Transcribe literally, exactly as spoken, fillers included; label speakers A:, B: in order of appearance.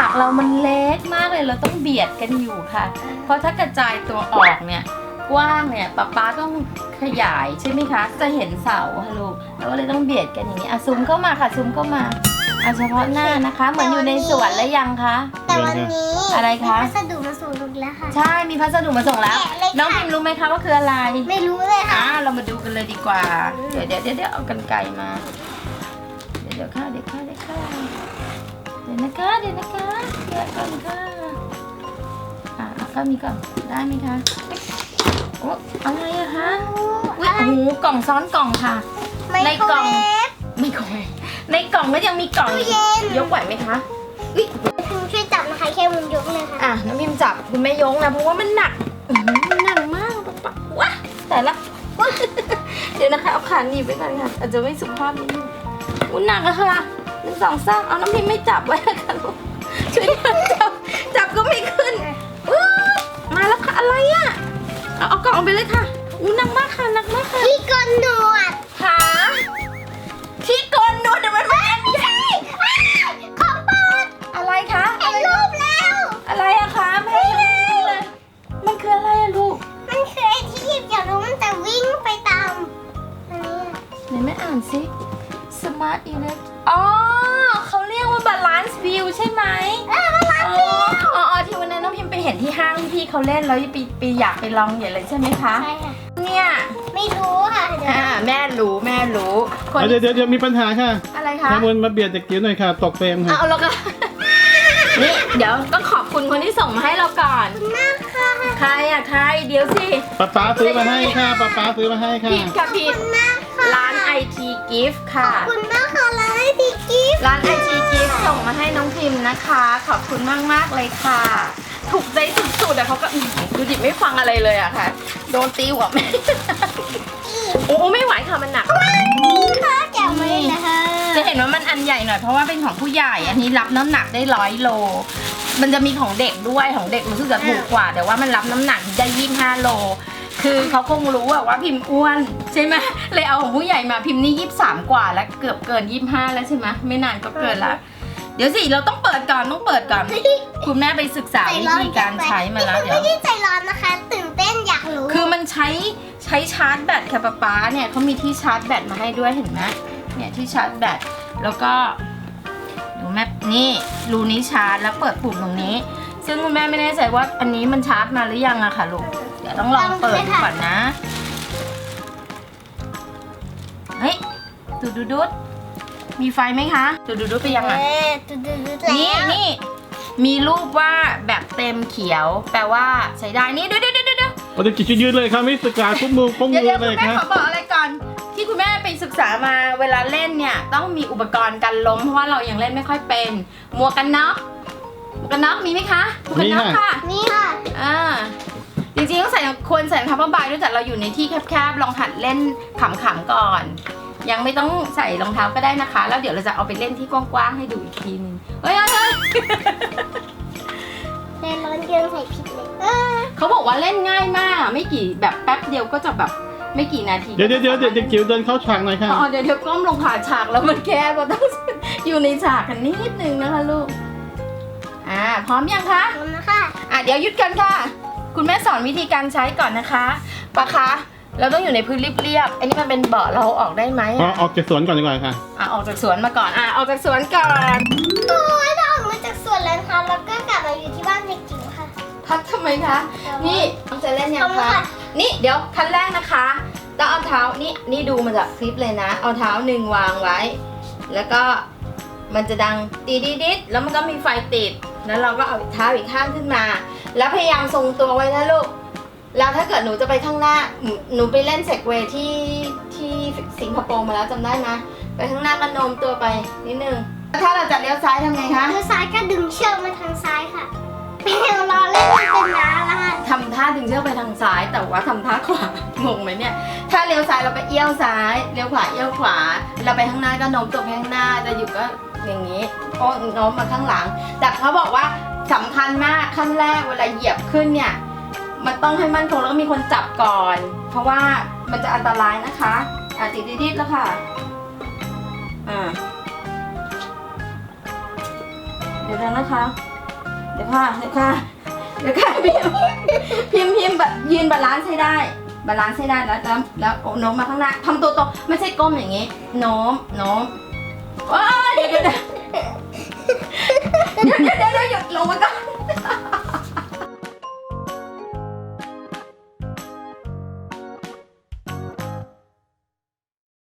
A: ากเรามันเล็กมากเลยเราต้องเบียดกันอยู่ค่ะเพราะถ้ากระจายตัวออกเนี่ยกว้างเนี่ยป๊าป๊าต้องขยายใช่ไหมคะจะเห็นเสาค่ะลูกเราก็เลยต้องเบียดกันอย่างนี้อ่ะซูมเข้ามาค่ะซูมเข้ามาเอาเฉพาะหน้านะคะเหมือนอยู่ในสวนแล้วยังคะ
B: แต่วันนี้
A: อะไรคะ
B: มีพัสดุมาส่งลูกแล้วค่ะ
A: ใช่มีพัสดุมาส่งแล้ว
B: แกะเลยค่ะ
A: น้องพิมรู้ไหมคะว่าคืออะไร
B: ไม่รู้เลยค่ะ
A: อ่าเรามาดูกันเลยดีกว่า เดี๋ยวเดี๋ยวเดี๋ยวเดี๋ยวเอากันไกรมา เดี๋ยวเดี๋ยวค่ะเดี๋ยวค่ะเดี๋ยวค่ะเดี๋ยวนะคะเดี๋ยวนะคะเดี๋ยวก่อนค่ะอ่าเอาก็มีก่อนได้ไหมคะโอ้อะไรอะคะอุ๊ยโอ้โหกล่องซ้อนกล่องค่ะ ในกล่อง ไม่กล่องในกล่องก็ยังมีกล่อง
B: ตู้เย็น
A: ยกไหวไหมคะอุ๊ย
B: คุณช่วยจับนะคะแค่มุมยกเลยค่ะ
A: อ่ะน้องพิมจับคุณแม่ยงนะเพราะว่ามันหนักอื้อหือมันหนักมากป๊าป๊าว้าแต่ละว้าเดี๋ยวนะคะเอาขาหนีบไว้ก่อนค่ะอาจจะไม่สุภาพนิดนึงอุ้ยหนักอะค่ะหนึ่งสองสามเอาน้องพิมไม่จับไว้ค่ะลูกช่วยจับจับก็ไม่ขึ้นอุ๊ยมาแล้วค่ะอะไรอะเอาเอากล่องไปเลยค่ะอู้หนักมากค่ะหนักมากค่ะ
B: ที่กนหนวด
A: ขาที่โกนหนวดเดี๋ยวมันไม่ใช่
B: ของโปรด
A: อะไรคะ
B: เห็นรูปแล้ว
A: อะไรอะคะไม่เห็นเลยมันคืออะไรอะลูก
B: มันคือไอ้ที่หยิบอยากรู้มันจะวิ่งไปตามอันนี้
A: ไหนแม่อ่านสิ Smart Elect อ๋อเขาเรียกว่า Balance View ใช่ไหม
B: เออมันรัก
A: อ๋ออ๋ออ๋อที่วันนั้นน้องพิมไปเห็นที่ห้างที่พี่เขาเล่นแล้วไปไปอยากไปลองอย่างเลยใช่ไหมคะ
B: ใช่ค่ะ
A: เนี่ย
B: ไม่รู้ค่ะเดี๋ยว
A: อ่าแม่รู้แม่รู้คน
C: เดี๋ยวเดี๋ยวเดี๋ยวมีปัญหาค่ะ
A: อะไรคะ
C: แคมูลมาเบียดเด็กจิ๋วหน่อยค่ะ ตกเฟรมค่ะ
A: เอาแล้วก็ นี่เดี๋ยวต้องขอบคุณคนที่ส่งมาให้เราก่อน
B: มากค่ะ
A: ใครอะใครเดี๋ยวสิ
C: ป๊าป๊าซื้อมาให้ค่ะป๊าป๊าซื้อมาให้ค่ะ
A: ผิดค่ะผิด
B: มากค่ะ
A: ร้าน ไอ ที Gift
B: ขอ
A: ค่ะ
B: บคุณมากค่ะร้านไอทีกิฟต์
A: ร้าน ไอ ที Gift ส่งมาให้น้องพิมพ์นะคะ ขอบคุณมากมากๆเลยค่ะ ถูกใจสุดๆแต่เขาก็อื้อหือดูดิไม่ฟังอะไรเลยอะค่ะ โดนตีหัวแม่ โอ้ไม่ไหวค่ะมันหนัก
B: ค่ะแกะมาเลยนะคะ
A: จะเห็นว่ามันอันใหญ่หน่อยเพราะว่าเป็นของผู้ใหญ่ อันนี้รับน้ำหนักได้ร้อยโล มันจะมีของเด็กด้วยของเด็กรู้สึกจะถูกกว่า แต่ว่ามันรับน้ำหนักได้ยี่สิบห้าโล คือเขาคงรู้อะว่าพิมพ์อ้วนใช่ไหมเลยเอาของผู้ใหญ่มาพิมพ์นี่ยี่สิบสามกว่าแล้วเกือบเกินยี่สิบห้าแล้วใช่ไหมไม่นานก็เกินละเดี๋ยวสิเราต้องเปิดก่อนต้องเปิดก่อน คุณแม่ไปศึกษาวิธีการใช้มาแล้วเดี๋ยว
B: ไม่ได้ใจร้อนนะคะ ตื่นเต้นอยากรู้
A: คือมันใช้ใช้ชาร์จแบตค่ะป๊าป๊าเนี่ยเขามีที่ชาร์จแบตมาให้ด้วยเห็นไหมเนี่ยที่ชาร์จแบตแล้วก็ดูแม่นี่รูนี้ชาร์จแล้วเปิดปุ่มตรงนี้ ซึ่งคุณแม่ไม่แน่ใจว่าอันนี้มันชาร์จมาหรือยังอะค่ะลูกเดี๋ยวต้องลองเปิดดูก่อนนะเฮ้ยดูดูดูดมีไฟไหมคะดูดูดูดไปยัง
B: เอ
A: อะ
B: อดูดูดูแล้ว
A: นี่นี่มีรูปว่าแบบเต็มเขียว แปลว่าใช้ได้นี่เดี๋ยวเดี๋ยวเดี๋ยวเดี๋ยว
C: โอ้เด็กจิ๋วยืนเลยค่ะไม่ศึกษาคุ้มมือคุ้ม
A: เดี๋ยว
C: มื
A: เดี๋ย
C: อ
A: ว
C: เล
A: คุ
C: ย
A: ณแม่
C: ค่ะ
A: ขอบอกอะไรก่อนที่คุณแม่ไปศึกษามาเวลาเล่นเนี่ยต้องมีอุปกรณ์กันล้มเพราะว่าเรายังเล่นไม่ค่อยเป็นหมวกกันน็อกหมวกกันน็อกมีไหมคะหมวกกันน็อกค่ะ
B: นี่ค่ะ
A: อ่าจริงๆต้องใส่ควรใส่รองเท้าผ้าใบด้วยแต่เราอยู่ในที่แคบๆลองหัดเล่นขำๆก่อน ยังไม่ต้องใส่รองเท้าก็ได้นะคะ แล้วเดี๋ยวเราจะเอาไปเล่นที่กว้างๆให้ดูอีกทีนึงเฮ้ยเฮ้ยเฮ้ย
B: เล่นร้อนเกินใส่ผิดเลยเออ
A: เขาบอกว่าเล่นง่ายมากไม่กี่แบบแป๊บเดียวก็จะแบบไม่กี่นาที
C: เดี๋ยวเดี๋ยวเดี๋ยวเด็กจิ๋วเดินเข้าฉากหน่อยค่ะ
A: อ๋อเดี๋ยวเดี๋ยวก้มลงผ่าฉากแล้วมันแคบเราต้อง อยู่ในฉากกันนิดนึงนะคะลูกอ่าพร้อมยังคะ
B: ขอบคุณนะคะ
A: อ่ะเดี๋ยวหยุดกันค่ะ คุณแม่สอนวิธีการใช้ก่อนนะคะปะคะเราต้องอยู่ในพื้นเรียบๆอันนี้มันเป็นเบาะเราเอาออกได้ไหม
C: อ๋อ
A: อ่ะ
C: ออกจากสวนก่อนดีกว่าค่ะ
A: อ่ะออกจากสวนมาก่อนอ่ะออกจากสวนก่อน
B: โอ้ยเราออกมาจากสวนแล้วนะคะแล้วก็กลับมาอยู่ที่บ้านเด็กจิ๋วค่ะ
A: พักทำไมคะนี่จะเล่นยัง
B: ขอบคุณ
A: คะ
B: ค่ะ
A: นี่เดี๋ยวขั้นแรกนะคะต้องเอาเท้านี่นี่ดูมาจากคลิปเลยนะ เอาเท้าหนึ่งวางไว้ แล้วก็มันจะดังตีดิดิดแล้วมันก็มีไฟติดแล้วเราก็เอาเท้าอีกข้างขึ้นมา แล้วพยายามทรงตัวไว้นะลูกแล้วถ้าเกิดหนูจะไปข้างหน้าหนูหนูไปเล่นเซกเวย์ที่ที่สิงคโปร์มาแล้วจำได้ไหมไปข้างหน้าก็โน้มตัวไปนิดนึงถ้าเราจะเลี้ยวซ้ายทำไงคะ
B: มือซ้ายก็ดึงเชือกมาทางซ้ายค่ะเป็นรอเล่นมันเป็นน้าแล้วค่ะ
A: ทำท่าดึงเชือกไปทางซ้าย แต่ว่าทำท่าขวางงไหมเนี่ยถ้าเลี้ยวซ้ายเราก็เอี้ยวซ้ายเลี้ยวขวาเอี้ยวขวาเราไปข้างหน้าก็โน้มตัวไปข้างหน้าจะอยู่ก็อย่างนี้โอ้โน้มมาข้างหลัง แต่เขาบอกว่าสำคัญมากขั้นแรกเวลาเหยียบขึ้นเนี่ยมันต้องให้มั่นคงแล้วก็มีคนจับก่อน เพราะว่ามันจะอันตรายนะคะอ่ะติดดิดๆแล้วค่ะอ่าเดี๋ยวนะคะดี๋ยวค่ะเดี๋ยวค่ะเดี๋ยวค่ะพิมพ์พิมพ์พิมพ์แบบยืนบาลานซ์ให้ได้บาลานซ์ให้ได้แล้วแล้วแล้วโน้มมาข้างหน้าทำตัวตรงไม่ใช่ก้มอย่างงี้โน้มโน้มว้ายเดี๋ยวเดี๋ยวเดี๋ยว